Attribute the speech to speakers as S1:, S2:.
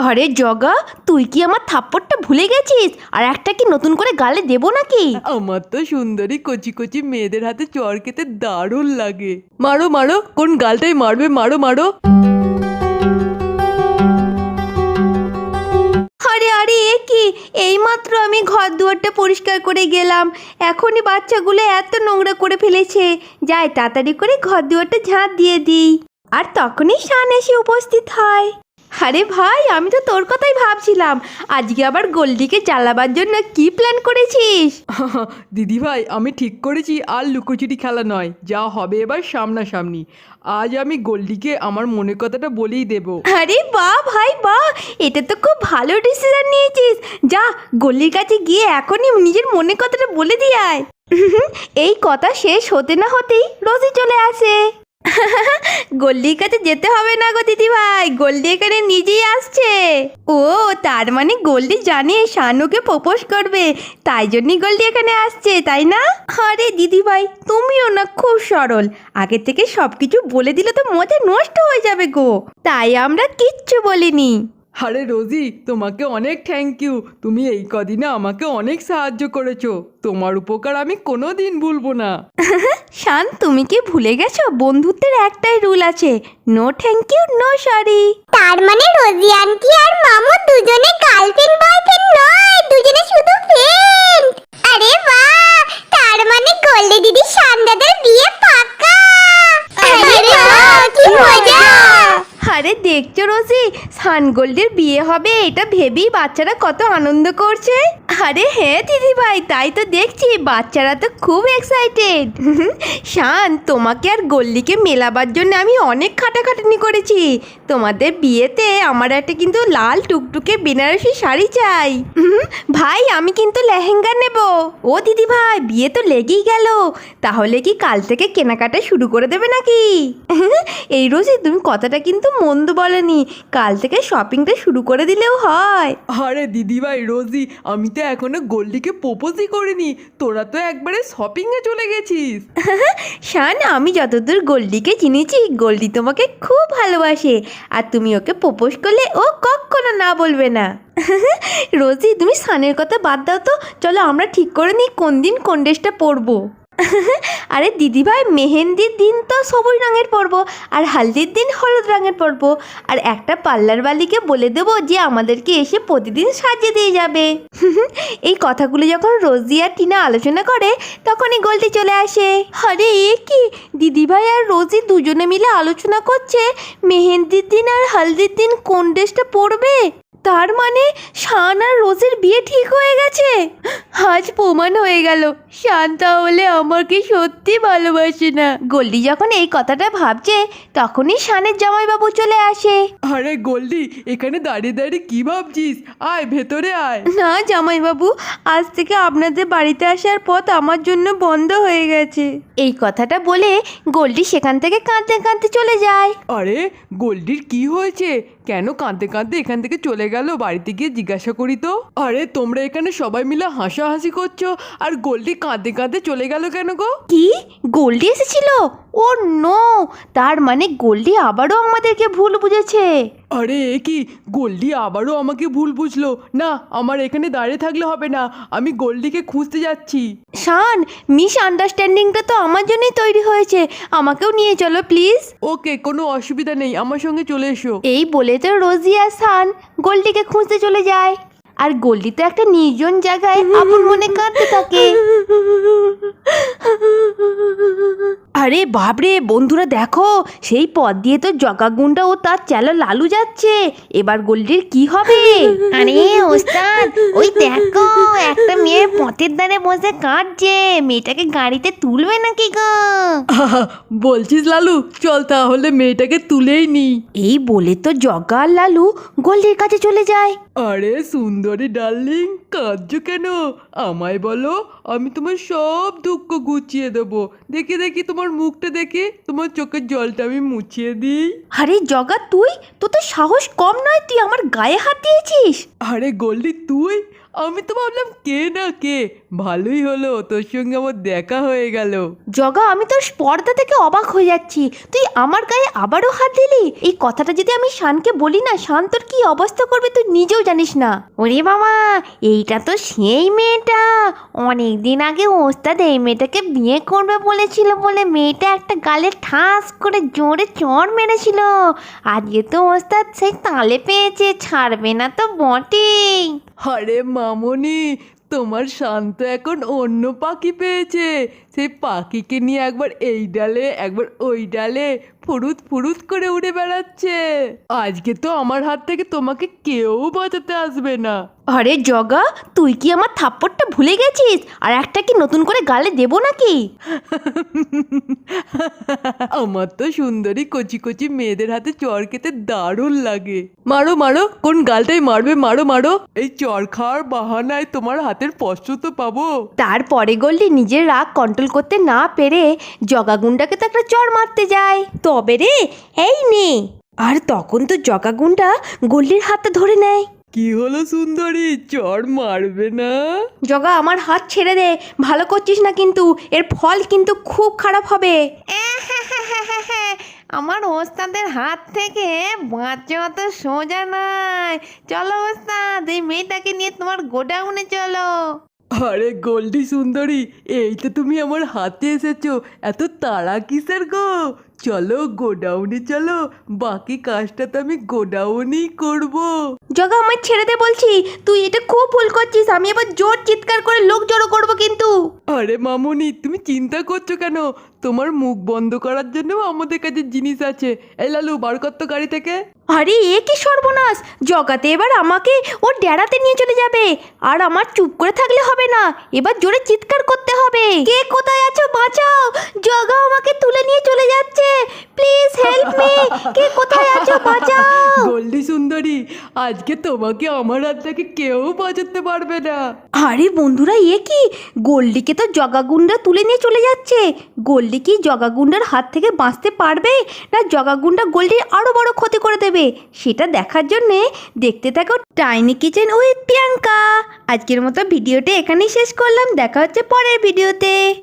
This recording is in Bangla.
S1: আরে জগা, তুই কি আমার থাপ্পড়টা ভুলে গেছিস? আর একটা কি নতুন করে গালে দেবো নাকি?
S2: আমার তো সুন্দরী কচি কচি মেয়েদের হাতে চর খেতে দারুণ লাগে। মারো মারো, কোন গালটাই মারবে, মারো মারো।
S1: আরে আরে, এ কি? এইমাত্র আমি ঘর দুয়ারটা পরিষ্কার করে গেলাম, এখনই বাচ্চাগুলো এত নোংরা করে ফেলেছে। যাই তাড়াতাড়ি করে ঘর দুয়ারটা ঝাঁট দিয়ে দিই। আর তখনই শান এসে উপস্থিত হয়। আরে ভাই, আমি তো তোর কথাই ভাবছিলাম। আজকে আবার গোল্ডিকে জ্বালাবার জন্য কি প্ল্যান করেছিস?
S2: দিদি ভাই, আমি ঠিক করেছি আর লুকোচুরি খেলা নয়, যা হবে এবার সামনাসামনি। আজ আমি গোল্ডিকে আমার মনের কথাটা বলেই দেব।
S1: আরে বাহ ভাই বাহ, এটা তো খুব ভালো ডিসিশন নিয়েছিস। যা, গল্লির কাছে গিয়ে এখনই নিজের মনের কথাটা বলে দিয়ে আয়। এই কথা শেষ হতে না হতেই রোজি চলে আসে। গল্লির কাছে যেতে হবে না গো দিদি ভাই, গোল্ডি এখানে নিজেই আসছে। ও, তার মানে গোল্ডি জানে শানুকে প্রপোজ করবে, তাই জন্যই গোল্ডি এখানে আসছে, তাই না? আরে দিদি ভাই, তুমিও না খুব সরল, আগে থেকে সবকিছু বলে দিলে তো মজা নষ্ট হয়ে যাবে গো, তাই আমরা কিচ্ছু বলিনি।
S2: আরে রোজি, তোমাকে অনেক থ্যাংক ইউ। তুমি এই কদিনে আমাকে অনেক সাহায্য করেছো, তোমার উপকার আমি কোনো দিন ভুলবো না।
S1: শান, তুমি কি ভুলে গেছো বন্ধুত্বের একটাই রুল আছে, no thank you no sorry.
S3: তার মানে রোজি আন্টি আর মামু দুজনে গার্লফ্রেন্ড বয়ফ্রেন্ড নয়, দুজনে শুধু ফ্রেন্ড। আরে বাহ, তার মানে গোল্ডি দিদি শানদাদের বিয়ে পাক্কা। আরে বাহ, কি মজা।
S1: আরে দেখছো রোজি, সানগোল্ডের বিয়ে হবে এটা ভেবেই বাচ্চারা কত আনন্দ করছে। আরে হ্যাঁ দিদি ভাই, তাই তো দেখছি, বাচ্চারা তো খুব এক্সাইটেড। শান, তোমাকে আর গোল্ডিকে মেলাবার জন্য আমি অনেক খাটাখাটনি করেছি। তোমাদের বিয়েতে আমার একটা কিন্তু লাল টুকটুকে বেনারসি শাড়ি চাই। ভাই, আমি কিন্তু লেহেঙ্গা নেব। ও দিদি ভাই, বিয়ে তো লেগেই গেল, তাহলে কি কাল থেকে কেনাকাটা শুরু করে দেবে নাকি? এই রোজি, তুমি কথাটা কিন্তু মন্দ বলেনি, কাল থেকে শপিংটা শুরু করে দিলেও হয়।
S2: আরে দিদি ভাই রোজি, আমি তো এখনো গোল্ডিকে প্রপোজই করিনি, তোরা তো একবারে শপিংয়ে চলে গেছিস।
S1: শান, আমি যতদূর গোল্ডিকে চিনেছি, গোল্ডি তোমাকে খুব ভালোবাসে, আর তুমি ওকে প্রপোজ করলে ও কখনো না বলবে না। রোজি, তুমি সানের কথা বাদ দাও তো, চলো আমরা ঠিক করে নিই কোন দিন কোন ড্রেসটা পরবো। আরে দিদিভাই, মেহেন্দির দিন তো সবুজ রঙের পরবো, আর হালদির দিন হলুদ রঙের পরবো, আর একটা পার্লার বালিকে বলে দেবো যে আমাদেরকে এসে প্রতিদিন সাজিয়ে দিয়ে যাবে। এই কথাগুলো যখন রোজি আর টিনা আলোচনা করে, তখনই গোল্ডি চলে আসে। আরে এ কি, দিদিভাই আর রোজি দুজনে মিলে আলোচনা করছে মেহেন্দির দিন আর হালদির দিন কোন ড্রেসটা পরবে। তার মানে শান আর রোজের বিয়ে ঠিক হয়ে গেছে। আজ প্রমাণ হয়ে গেল শান তাহলে আমাকে সত্যি ভালোবাসে না। গোল্ডি যখন এই কথাটা ভাবছে, তখনই শানের জামাইবাবু চলে আসে।
S2: আরে গোল্ডি, এখানে দাঁড়িয়ে দাঁড়িয়ে কি ভাবছিস? আয় ভেতরে আয়।
S1: না জামাইবাবু, আজ থেকে আপনাদের বাড়িতে আসার পথ আমার জন্য বন্ধ হয়ে গেছে। এই কথাটা বলে গোল্ডি সেখান থেকে কাঁদতে কাঁদতে চলে যায়।
S2: আরে গোল্ডির কি হয়েছে? কেন কাঁদতে কাঁদতে এখান থেকে চলে গেল? বাড়িতে গিয়ে জিজ্ঞাসা করি তো। আরে তোমরা এখানে সবাই মিলে হাসাহাসি করছো, আর গোল্ডি কাঁদতে কাঁদতে চলে গেল কেন গো?
S1: কি, গোল্ডি এসেছিল? ও নো, তার মানে গোল্ডি আবারও আমাদেরকে ভুল বুঝেছে।
S2: আরে এ কি, গোল্ডি আবারও আমাকে ভুল বুঝলো? না, আমার এখানে দাঁড়িয়ে থাকলে হবে না, আমি গোল্ডিকে খুঁজতে যাচ্ছি।
S1: শান, মিস আন্ডারস্ট্যান্ডিংটা তো আমার জন্যই তৈরি হয়েছে, আমাকেও নিয়ে চলো প্লিজ।
S2: ওকে, কোনো অসুবিধা নেই, আমার সঙ্গে চলে এসো।
S1: এই বলে তো রোজি আর শান গোল্ডিকে খুঁজতে চলে যায়, আর গোল্ডি তো একটা নির্জন জায়গায় আপন মনে কাঁদতে থাকে। আরে বাপরে বন্ধুরা, দেখো সেই পথ দিয়ে তো জগাগুন্ডা ও তার চেলা লালু যাচ্ছে, এবার গোল্ডির কি হবে?
S3: আরে ওস্তাদ, ওই দেখো একটা মেয়ে পথের ধারে বসে কাঁদছে, মেয়েটাকে গাড়িতে তুলবে নাকি গো?
S2: বলছিস লালু, চল তাহলে মেয়েটাকে তুলেই নি।
S1: এই বলে তো জগা আর লালু গোল্ডির কাছে চলে যায়।
S2: আরে সুন্দরী ডার্লিং, কাঁদছো কেন? আমায় বলো, আমি তোমার সব দুঃখ গুছিয়ে দেবো। দেখি দেখি তোমার মুখটা দেখে তোমার চোখের জলটা আমি মুছিয়ে দিই।
S1: আরে জগা, তুই তো সাহস কম নয়, তুই আমার গায়ে হাত দিয়েছিস।
S2: আরে গোল্ডি তুই, আমি তো ভাবলাম কে না কে। ভালোই হলো তোর সঙ্গে আমার দেখা হয়ে গেল।
S1: জগা, আমি তোর স্পর্ধা থেকে অবাক হয়ে যাচ্ছি। তুই আমার গায়ে আবারও হাত দিলি। এই কথাটা যদি আমি শানকে বলি না, শান তোর কি অবস্থা করবে তুই নিজেও জানিস না। ওরে বাবা, এইটা তো সেই মেয়েটা। অনেক দিন আগে ওস্তাদ এই মেয়েটাকে বিয়ে করবে বলেছিল বলে মেয়েটা একটা গালে ঠাস করে জোরে চড় মেরেছিল। আজকে তো ওস্তাদ সেই তালে পেয়েছে, ছাড়বে না তো বটেই।
S2: আরে মামনি, তোমার শান্ত এখন অন্য পাখি পেয়েছে। সেই পাখিকে নিয়ে একবার এই ডালে একবার ওই ডালে ফুরুত ফুরুত করে উড়ে বেড়াচ্ছে। আজকে তো আমার হাত থেকে তোমাকে কেউ বাঁচাতে আসবে না।
S1: আরে জগা, তুই কি আমার থাপ্পড়টা ভুলে গেছিস? আর একটা কি নতুন করে গালে দেবো নাকি?
S2: আমার তো সুন্দরী কচি কচি মেয়েদের হাতে চড় খেতে দারুণ লাগে। মারো মারো, কোন গালটাই মারবে, মারো মারো। এই চড় খাওয়ার বাহানায় তোমার হাতের স্পর্শ তো পাবো।
S1: তারপরে গল্লি নিজের রাগ কন্ট্রোল করতে না পেরে জগাগুন্ডাকে তো একটা চড় মারতে যায়। তবে রে, এই নে। আর তখন তো জগাগুন্ডা গল্লির হাতটা ধরে নেয়।
S2: কি হলো সুন্দরী, চড় মারবে না?
S1: জগা, আমার হাত ছেড়ে দে। ভালো করছিস না কিন্তু, এর ফল কিন্তু খুব খারাপ হবে। আমার ওস্তাদের হাত থেকে বাঁচা তো সোজা নয়। চলো ওস্তাদ, এই মেয়েটাকে নিয়ে তোমার গোডাউনে চলো।
S2: আরে গোল্ডি সুন্দরী, এই তো তুমি আমার হাতে এসেছো, এত তাড়া কিসের গো? চলো গোডাউনে চলো, বাকি কাজটা তো আমি গোডাউনেই করবো।
S1: জগা, আমায় ছেড়ে দে বলছি। তুই এটা খুব ভুল করছিস। আমি এবার জোর চিৎকার করে লোক জড়ো করবো কিন্তু।
S2: আরে মামুনি, তুমি চিন্তা করছো কেন? তোমার মুখ বন্ধ করার জন্য আমাদের কাছে জিনিস আছে। এই লালু, বার কর তো গাড়ি থেকে।
S1: আরে এ কি সর্বনাশ! জগাতে এবার আমাকে ওর ডেরাতে নিয়ে চলে যাবে। আর আমার চুপ করে থাকলে হবে না, এবার জোরে চিৎকার করতে হবে। কে কোথায় আছো, বাঁচাও! জগা আমাকে তুলে নিয়ে চলে যাচ্ছে। Please help me. কে কোথায় আছো, বাঁচাও!
S2: গোল্ডি সুন্দরী, আজকে তোমাকে আমার হাত থেকে কেউ বাঁচাতে পারবে না।
S1: আরে বন্ধুরা, এ কি? গোল্ডিকে তো জগাগুন্ডা তুলে নিয়ে চলে যাচ্ছে। গোল্ডি কি জগাগুন্ডার হাত থেকে বাঁচতে পারবে, না জগাগুন্ডা গোল্ডির আরো বড় ক্ষতি করে দেবে? সেটা দেখার জন্যে দেখতে থাকো টাইনি কিচেন উইথ প্রিয়াঙ্কা। আজকের মতো ভিডিওটা এখানেই শেষ করলাম। দেখা হচ্ছে পরের ভিডিওতে।